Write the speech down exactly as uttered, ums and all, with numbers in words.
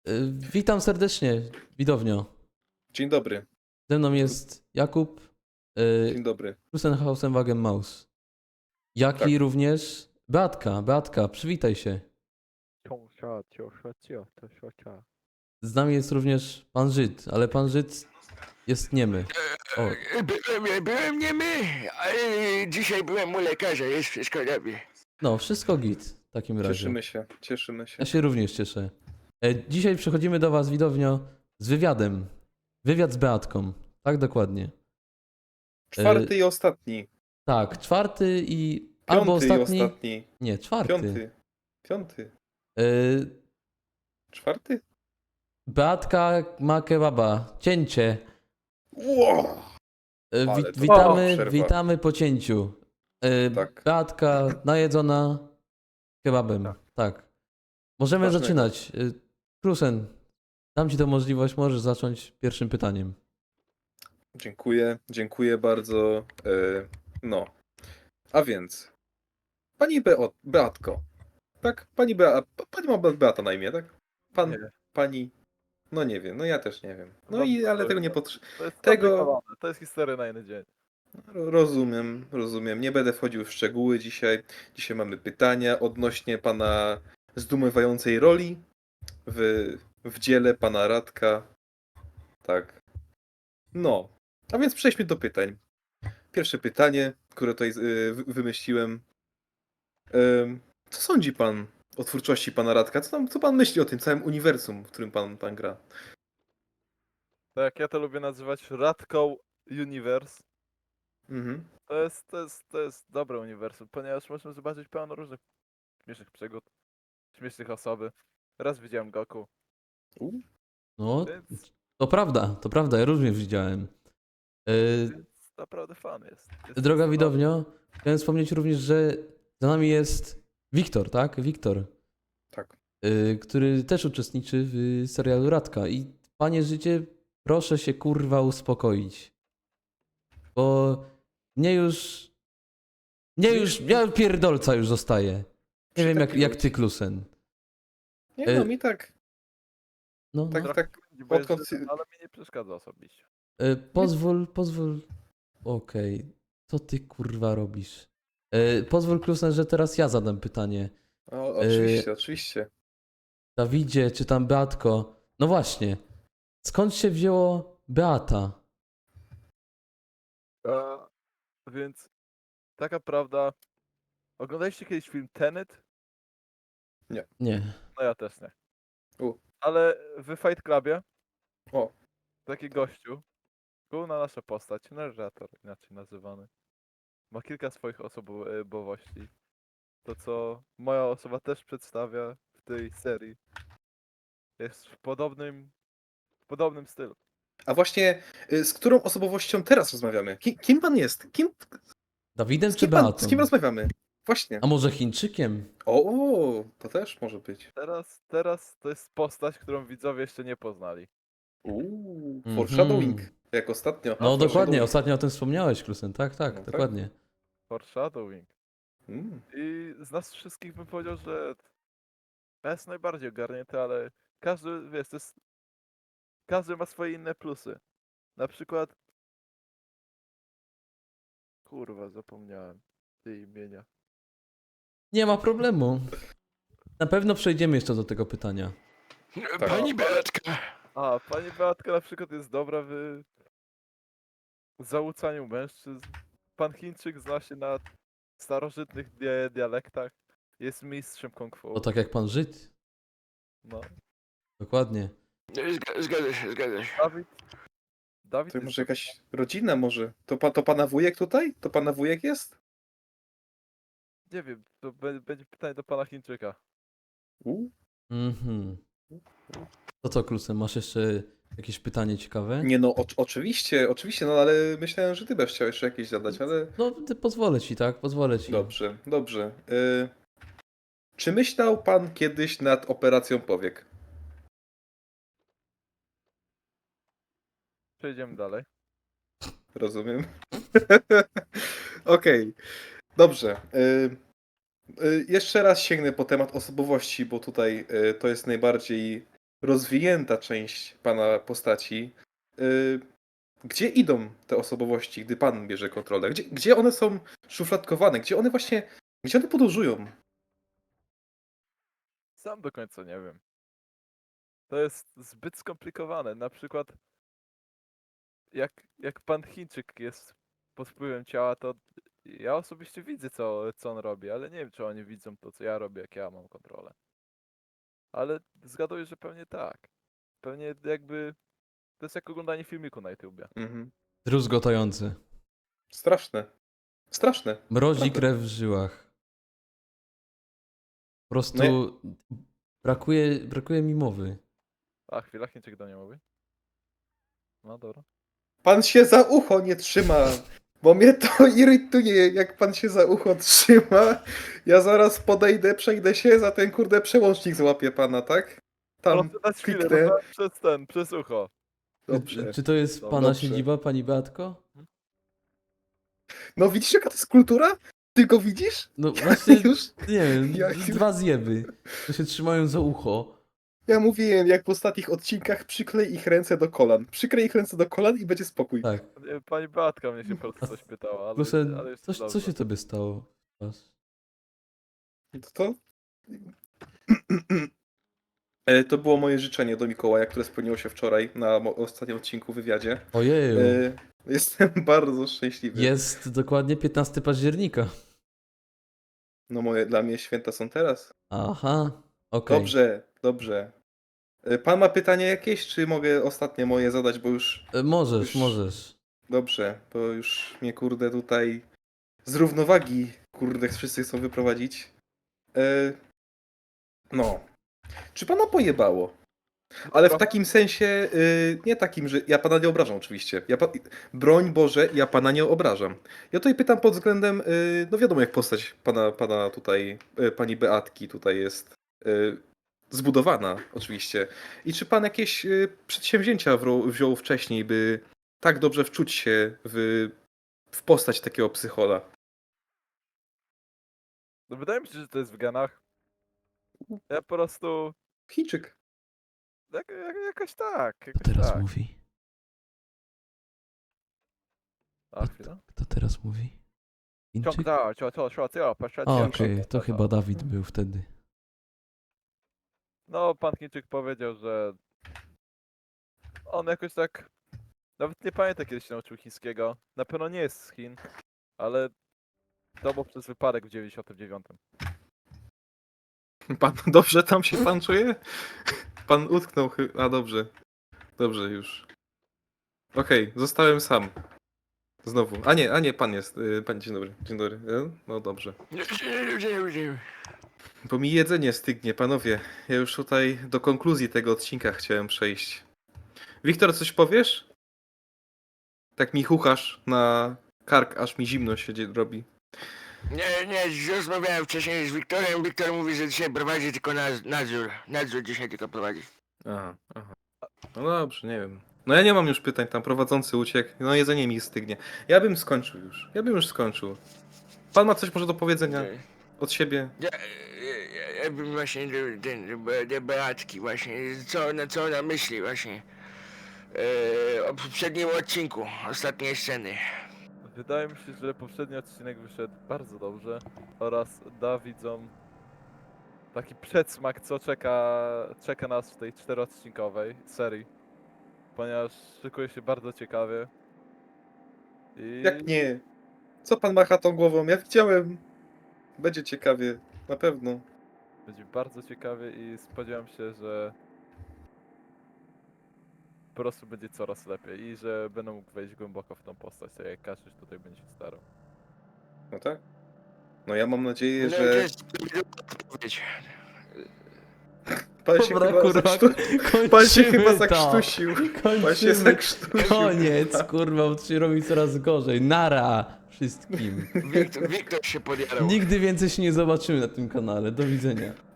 Y, Witam serdecznie, widownio. Dzień dobry, Ze mną jest Jakub, y, dzień dobry. Krusenhausenwagen Maus. Jak Tak. i również Beatka. Beatka, przywitaj się. Ciąsia, ciosia, cio, to siocia. Z nami jest również pan Żyd, ale pan Żyd jest niemy. O, E, Byłem, byłem niemy, ale dzisiaj byłem u lekarza, jest wszystko dobrze. no, wszystko git w takim razie. Cieszymy się, cieszymy się. Ja się również cieszę. E, Dzisiaj przechodzimy do was, widownio, z wywiadem. Wywiad z Beatką. Tak, dokładnie. Czwarty i ostatni. Tak, czwarty i... Piąty albo ostatni... i ostatni. Nie, czwarty. Piąty. Piąty. Y, Czwarty? Beatka ma kebaba. Cięcie. Wow! Y, Ale Wi- to witamy, przerwa. witamy po cięciu. Y, Tak. Beatka najedzona kebabem. Tak. Możemy Smacznego. zaczynać. Y, Krusen, dam ci tę możliwość, możesz zacząć pierwszym pytaniem. Dziękuję, dziękuję bardzo. E, no. A więc. Pani Beo, Beatko. Tak? Pani Bea, pani ma Beata na imię, tak? Pan, Nie. pani. No nie wiem, no ja też nie wiem. No No, i ale to- tego nie potrzebuję. To jest Tego- skomplikowane, to jest historia na jeden dzień. Rozumiem, rozumiem. Nie będę wchodził w szczegóły dzisiaj. Dzisiaj mamy pytania odnośnie pana zdumiewającej roli w, w dziele pana Radka. Tak. No. A więc przejdźmy do pytań. Pierwsze pytanie, które tutaj y, wy- wymyśliłem. Ym, Co sądzi pan o twórczości pana Radka? Co, tam, co pan myśli o tym całym uniwersum, w którym pan, pan gra? Tak jak ja to lubię nazywać Radką Universe. Mhm. To jest, to jest, to jest dobre uniwersum, ponieważ można zobaczyć pełno różnych śmiesznych przygód, śmiesznych osoby. Raz widziałem Goku, U, No, więc, to prawda, to prawda, ja również widziałem. Y, więc naprawdę fan jest. jest Droga jest widownio, chciałem wspomnieć również, że za nami jest Wiktor, tak? Wiktor, tak. y, który też uczestniczy w serialu Radka. I panie życie, proszę się kurwa uspokoić. Bo mnie już. Mnie już. Ja pierdolca już zostaje. Nie Przy wiem jak, takiej jak ludzi. ty, Klusen. Nie Y, no, mi tak. No, Tak, no. tak. Trochę bo jest odkąd- Żydem, ale mi nie przeszkadza osobiście. Y, pozwól, pozwól. Okej. Co ty kurwa robisz? Y, pozwól, Klusen, że teraz ja zadam pytanie. O, oczywiście, oczywiście. Dawidzie, czy tam Beatko. No właśnie. Skąd się wzięło Beata? A, więc taka prawda. Oglądaliście kiedyś film Tenet? Nie. No ja też nie. U. Ale w Fight Clubie O. taki gościu, główna nasza postać, narrator inaczej nazywany, ma kilka swoich osobowości. To co moja osoba też przedstawia w tej serii jest w podobnym, w podobnym stylu. A właśnie y, z którą osobowością teraz rozmawiamy? Kim, kim pan jest? Kim, Dawidem z, czy kim pan, Beatą? z kim rozmawiamy? Właśnie. A może Chińczykiem? O, o, to też może być. Teraz, teraz to jest postać, którą widzowie jeszcze nie poznali. Uuu, Mhm. foreshadowing, jak ostatnio. No A, dokładnie, foreshadowing. ostatnio o tym wspomniałeś, Klusen. Tak, tak, No tak. dokładnie. Foreshadowing. Mm. I z nas wszystkich bym powiedział, że ja jest najbardziej ogarnięty, ale każdy, wiesz, to jest... Każdy ma swoje inne plusy. Na przykład... Kurwa, zapomniałem tej imienia. Nie ma problemu. Na pewno przejdziemy jeszcze do tego pytania. Tak. Pani Beatka, A, pani Beatka na przykład jest dobra w załucaniu mężczyzn. Pan Chińczyk zna się na starożytnych dia- dialektach. Jest mistrzem kung fu. To tak jak pan Żyd. No. Dokładnie. Zga- zgadza się, zgadza się. Dawid... Dawid To jest... może jakaś rodzina może? To, pa, to pana wujek tutaj? To pana wujek jest? Nie wiem, to be- będzie pytanie do pana Chińczyka. Uuu. Mhm. To co, Klusen, masz jeszcze jakieś pytanie ciekawe? Nie no, o, oczywiście, oczywiście, no ale myślałem, że ty będziesz chciał jeszcze jakieś zadać, ale... No, ty pozwolę ci, tak? Pozwolę ci. Dobrze, dobrze. Y... Czy myślał pan kiedyś nad operacją powiek? Przejdziemy dalej. Rozumiem. Okej, dobrze. Y, y, jeszcze raz sięgnę po temat osobowości, bo tutaj y, to jest najbardziej rozwinięta część pana postaci. Y, Gdzie idą te osobowości, gdy pan bierze kontrolę? Gdzie, gdzie one są szufladkowane? Gdzie one właśnie, gdzie one podróżują? Sam do końca nie wiem. To jest zbyt skomplikowane. Na przykład jak, jak pan Chińczyk jest pod wpływem ciała, to ja osobiście widzę, co, co on robi, ale nie wiem, czy oni widzą to, co ja robię, jak ja mam kontrolę. Ale zgaduję, że pewnie tak. Pewnie jakby to jest jak oglądanie filmiku na YouTubie. Mhm. Druzgotający. Straszne. Straszne. Mrozi Naprawdę. krew w żyłach. Po prostu No ja- brakuje, brakuje mi mowy. A, chwila, Chińczyk do mnie mówi. No dobra. Pan się za ucho nie trzyma, bo mnie to irytuje, jak pan się za ucho trzyma. Ja zaraz podejdę, przejdę się, za ten kurde przełącznik złapię pana, tak? Tam Proszę dać chwilę, kliknę. no, przez ten, przez ucho. Dobrze. Czy to jest Dobrze. pana siedziba, pani Beatko? No widzisz, jaka to jest kultura? Ty go widzisz? No właśnie, Już? nie wiem, Ja- dwa zjeby. To się trzymają za ucho. Ja mówiłem, jak w ostatnich odcinkach, przyklej ich ręce do kolan. Przyklej ich ręce do kolan i będzie spokój. Tak. Nie, Pani Beatka mnie się po prostu coś pytała, ale, Proszę, ale jest coś, co dobrze. się tobie stało? Was? To to? E, To było moje życzenie do Mikołaja, które spełniło się wczoraj na mo- ostatnim odcinku w wywiadzie. Ojeju. E, Jestem bardzo szczęśliwy. Jest dokładnie piętnastego października. No moje, dla mnie święta są teraz. Aha, okej. Dobrze, dobrze. E, Pan ma pytanie jakieś, czy mogę ostatnie moje zadać, bo już... E, Możesz, Już- możesz. Dobrze, bo już mnie kurde tutaj z równowagi kurde wszyscy chcą wyprowadzić. E, No. Czy pana pojebało? Ale w Trochę. takim sensie, y, nie takim, że ja pana nie obrażam oczywiście. Ja pa... Broń Boże, ja pana nie obrażam. Ja tutaj pytam pod względem, y, no wiadomo jak postać pana, pana tutaj, y, pani Beatki tutaj jest y, zbudowana oczywiście. I czy pan jakieś y, przedsięwzięcia wro- wziął wcześniej, by tak dobrze wczuć się w, w postać takiego psychola? No wydaje mi się, że to jest w genach. Ja po prostu... Chińczyk. Jak, jak, jakoś tak, Kto jakoś teraz tak. mówi? A, chwila. Kto teraz mówi? Ciąg Chińczyk? da, cio, cio, cio, cio, patrzcie, A, cio, Okej, cio, to cio. chyba Dawid był wtedy. No, pan Chińczyk powiedział, że on jakoś tak... Nawet nie pamiętam, kiedy się nauczył chińskiego. Na pewno nie jest z Chin, ale to był przez wypadek w dziewięćdziesiątym dziewiątym. Pan dobrze tam się pan czuje? Pan utknął chyba. A dobrze. Dobrze już. Okej, zostałem sam. Znowu. A nie, a nie, pan jest. Y, Pan, dzień dobry. Dzień dobry. Y, No dobrze. Bo mi jedzenie stygnie, panowie. Ja już tutaj do konkluzji tego odcinka chciałem przejść. Wiktor, coś powiesz? Tak mi chuchasz na kark, aż mi zimno się dzie- robi. Nie, nie, rozmawiałem wcześniej z Wiktorem. Wiktor mówi, że dzisiaj prowadzi tylko naz- nadzór. Nadzór dzisiaj tylko prowadzi. Aha, aha. No dobrze, nie wiem. No ja nie mam już pytań, tam prowadzący uciekł. No jedzenie mi stygnie. Ja bym skończył już. Ja bym już skończył. Pan ma coś może do powiedzenia od siebie? Ja, ja, ja, ja bym właśnie do, ten, do, Be- do Beatki właśnie, co, na co ona myśli właśnie. E, o poprzednim odcinku, ostatniej sceny. Wydaje mi się, że poprzedni odcinek wyszedł bardzo dobrze oraz da widzom taki przedsmak, co czeka, czeka nas w tej czteroodcinkowej serii, ponieważ szykuje się bardzo ciekawie. I Jak nie? Co pan macha tą głową? Ja widziałem. Będzie ciekawie. Na pewno. będzie bardzo ciekawie i spodziewam się, że po prostu będzie coraz lepiej i że będę mógł wejść głęboko w tą postać, tak jak każdy tutaj będzie się starał. No tak? No ja mam nadzieję, No, to że jest odpowiedź. pan się Dobra, chyba kurwa, zakrztu... Pan się chyba kończymy to. zakrztusił. Pan się Kończymy. zakrztusił. Koniec, kurwa, bo to się robi coraz gorzej. Nara wszystkim. Wiktor, Wiktor się podjarał. Nigdy więcej się nie zobaczymy na tym kanale. Do widzenia.